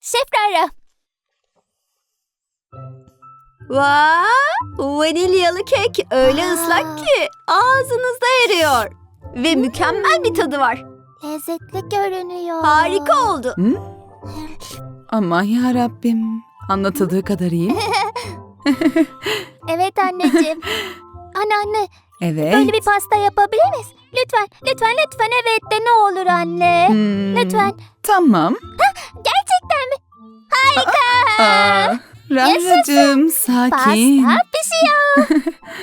Şef Rara. Vanilyalı kek öyle ıslak ki ağzınızda eriyor. Ve mükemmel bir tadı var. Lezzetli görünüyor. Harika oldu. Aman ya Rabbim. Anlatıldığı kadar iyi. Evet anneciğim. Anne, Evet. böyle bir pasta yapabilir miyiz? Lütfen evet de ne olur anne. Lütfen. Tamam. Gerçekten mi? Harika. Raracığım sakin. Pasta pişiyor.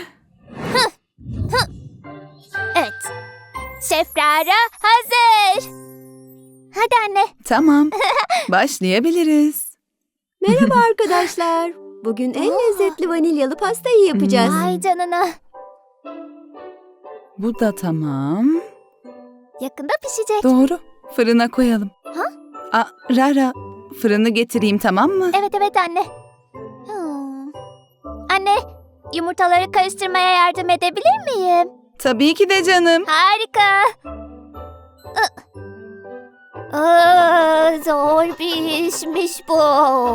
Evet. Şef Rara hazır. Hadi anne. Tamam. Başlayabiliriz. Merhaba arkadaşlar. Bugün en lezzetli vanilyalı pastayı yapacağız. Ay canına. Bu da tamam. Yakında pişecek. Doğru. Fırına koyalım. Ha? Rara, fırını getireyim, tamam mı? Evet anne. Anne, yumurtaları karıştırmaya yardım edebilir miyim? Tabii ki de canım. Harika. Zor bir işmiş bu.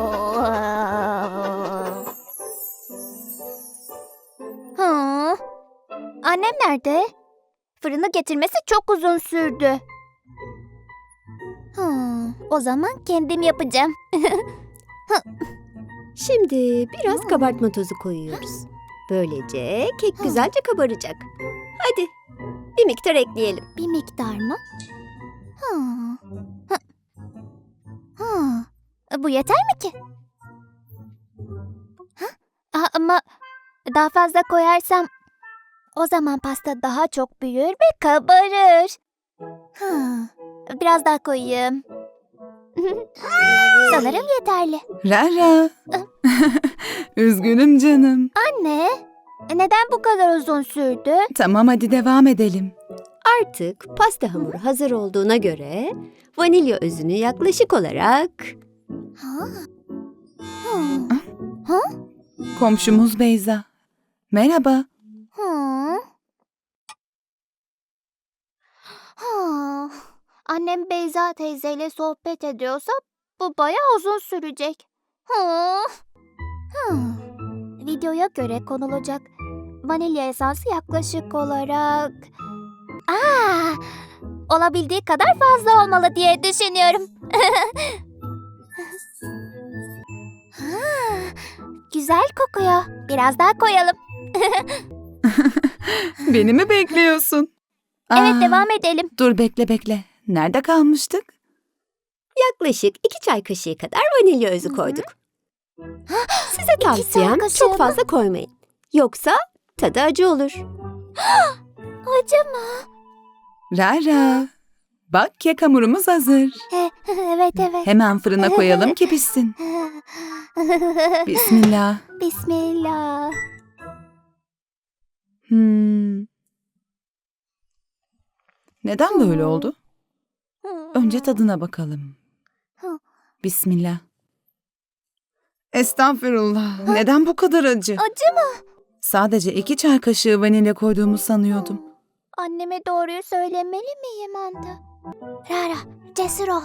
Annem nerede? Fırını getirmesi çok uzun sürdü. O zaman kendim yapacağım. Şimdi biraz kabartma tozu koyuyoruz. Böylece kek güzelce kabaracak. Hadi bir miktar ekleyelim. Bir miktar mı? Bu yeter mi ki? Ama daha fazla koyarsam o zaman pasta daha çok büyür ve kabarır. Biraz daha koyayım. Sanırım yeterli. Rara. Üzgünüm canım. Anne, neden bu kadar uzun sürdü? Tamam, hadi devam edelim. Artık pasta hamuru hazır olduğuna göre vanilya özünü yaklaşık olarak Komşumuz Beyza. Merhaba. Annem Beyza teyzeyle sohbet ediyorsa bu bayağı uzun sürecek. Videoya göre konulacak vanilya esansı yaklaşık olarak olabildiği kadar fazla olmalı diye düşünüyorum. Güzel kokuyor. Biraz daha koyalım. Beni mi bekliyorsun? Evet, devam edelim. Dur, bekle. Nerede kalmıştık? yaklaşık 2 çay kaşığı kadar vanilya özü koyduk. Size tavsiyem çay kaşığı çok mı? fazla koymayın. Yoksa tadı acı olur. Acı mı? Rara. Bak, kek hamurumuz hazır. Evet. Hemen fırına koyalım ki pişsin. Bismillah. Bismillah. Neden böyle oldu? Önce tadına bakalım. Bismillah. Estağfurullah. Neden bu kadar acı? Acı mı? Sadece 2 çay kaşığı vanilya koyduğumu sanıyordum. Anneme doğruyu söylemeli miyim Anta? Rara, cesur ol.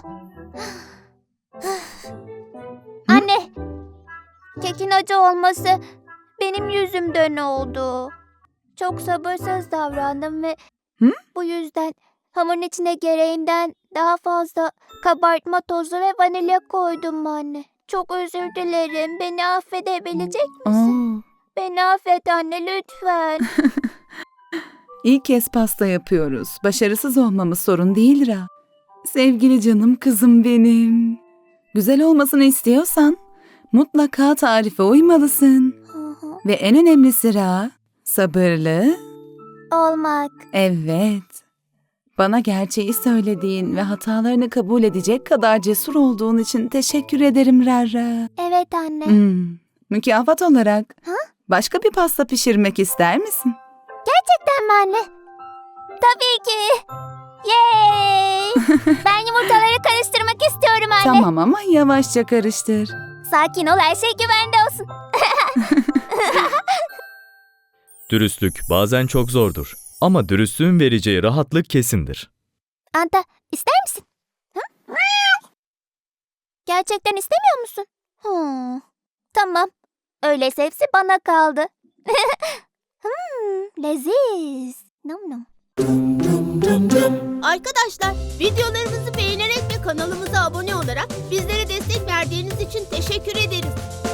Anne, kekin acı olması benim yüzümden oldu. Çok sabırsız davrandım ve bu yüzden hamurun içine gereğinden daha fazla kabartma tozu ve vanilya koydum anne. Çok özür dilerim. Beni affedebilecek misin? Beni affet anne lütfen. İlk kez pasta yapıyoruz. Başarısız olmamız sorun değil Ra. Sevgili canım kızım benim. Güzel olmasını istiyorsan mutlaka tarife uymalısın. Ve en önemlisi Ra, sabırlı. Olmak. Evet. Bana gerçeği söylediğin ve hatalarını kabul edecek kadar cesur olduğun için teşekkür ederim Rara. Evet anne. Mükafat olarak başka bir pasta pişirmek ister misin? Gerçekten mi anne? Tabii ki. Yay! Ben yumurtaları karıştırmak istiyorum anne. Tamam ama yavaşça karıştır. Sakin ol, her şey güvende olsun. Dürüstlük bazen çok zordur ama dürüstlüğün vereceği rahatlık kesindir. Anta, ister misin? Gerçekten istemiyor musun? Tamam. Öyleyse hepsi bana kaldı. Leziz. Nom nom. Arkadaşlar, videolarımızı beğenerek ve kanalımıza abone olarak bizlere destek verdiğiniz için teşekkür ederiz.